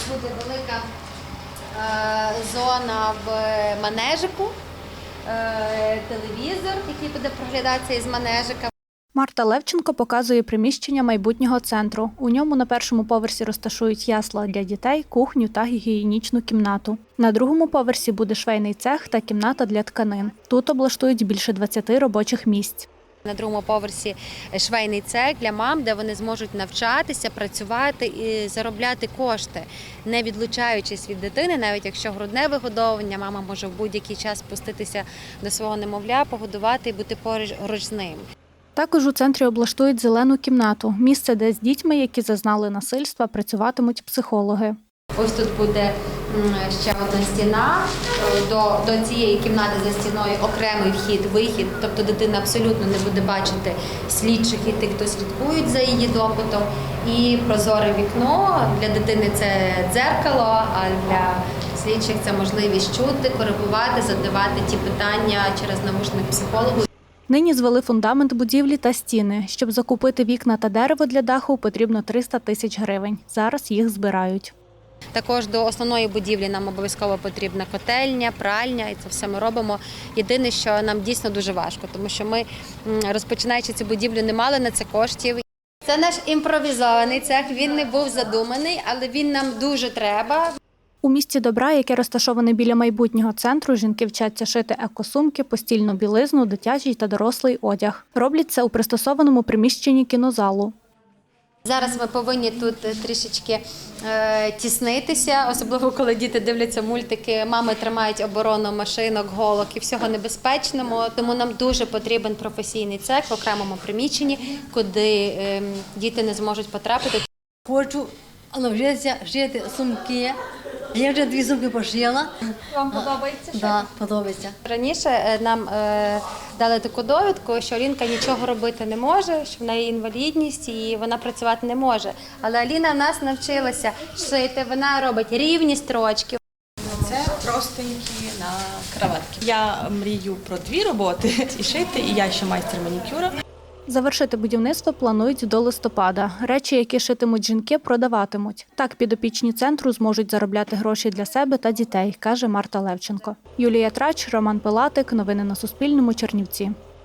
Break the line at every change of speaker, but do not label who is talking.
буде велика зона в манежику, телевізор, який буде проглядатися із манежика.
Марта Левченко показує приміщення майбутнього центру. У ньому на першому поверсі розташують ясла для дітей, кухню та гігієнічну кімнату. На другому поверсі буде швейний цех та кімната для тканин. Тут облаштують більше 20 робочих місць.
На другому поверсі швейний цех для мам, де вони зможуть навчатися, працювати і заробляти кошти, не відлучаючись від дитини, навіть якщо грудне вигодовування, мама може в будь-який час спуститися до свого немовля, погодувати і бути поруч з ним.
Також у центрі облаштують зелену кімнату – місце, де з дітьми, які зазнали насильства, працюватимуть психологи.
Ось тут буде ще одна стіна, до цієї кімнати за стіною окремий вхід-вихід, тобто дитина абсолютно не буде бачити слідчих і тих, хто слідкують за її допитом. І прозоре вікно, для дитини це дзеркало, а для слідчих це можливість чути, коригувати, задавати ті питання через навушник психологу.
Нині звели фундамент будівлі та стіни. Щоб закупити вікна та дерево для даху, потрібно 300 тисяч гривень. Зараз їх збирають.
Також до основної будівлі нам обов'язково потрібна котельня, пральня, і це все ми робимо. Єдине, що нам дійсно дуже важко, тому що ми, розпочинаючи цю будівлю, не мали на це коштів. Це наш імпровізований цех, він не був задуманий, але він нам дуже треба.
У місті Добра, яке розташоване біля майбутнього центру, жінки вчаться шити екосумки, постільну білизну, дитячий та дорослий одяг. Роблять це у пристосованому приміщенні кінозалу.
Зараз ми повинні тут трішечки тіснитися, особливо коли діти дивляться мультики, мами тримають оборону машинок, голок і всього небезпечного. Тому нам дуже потрібен професійний цех в окремому приміщенні, куди діти не зможуть потрапити.
Хочу навчитися шити сумки. Я вже 2 сумки пошила.
Вам подобається?
Так, подобається.
Раніше нам дали таку довідку, що Алінка нічого робити не може, що в неї інвалідність і вона працювати не може. Але Аліна в нас навчилася шити, вона робить рівні строчки.
Це простенькі на краватки. Я мрію про 2 роботи – і шити, і я ще майстер манікюра.
Завершити будівництво планують до листопада. Речі, які шитимуть жінки, продаватимуть. Так підопічні центру зможуть заробляти гроші для себе та дітей, каже Марта Левченко. Юлія Трач, Роман Пилатик. Новини на Суспільному. Чернівці.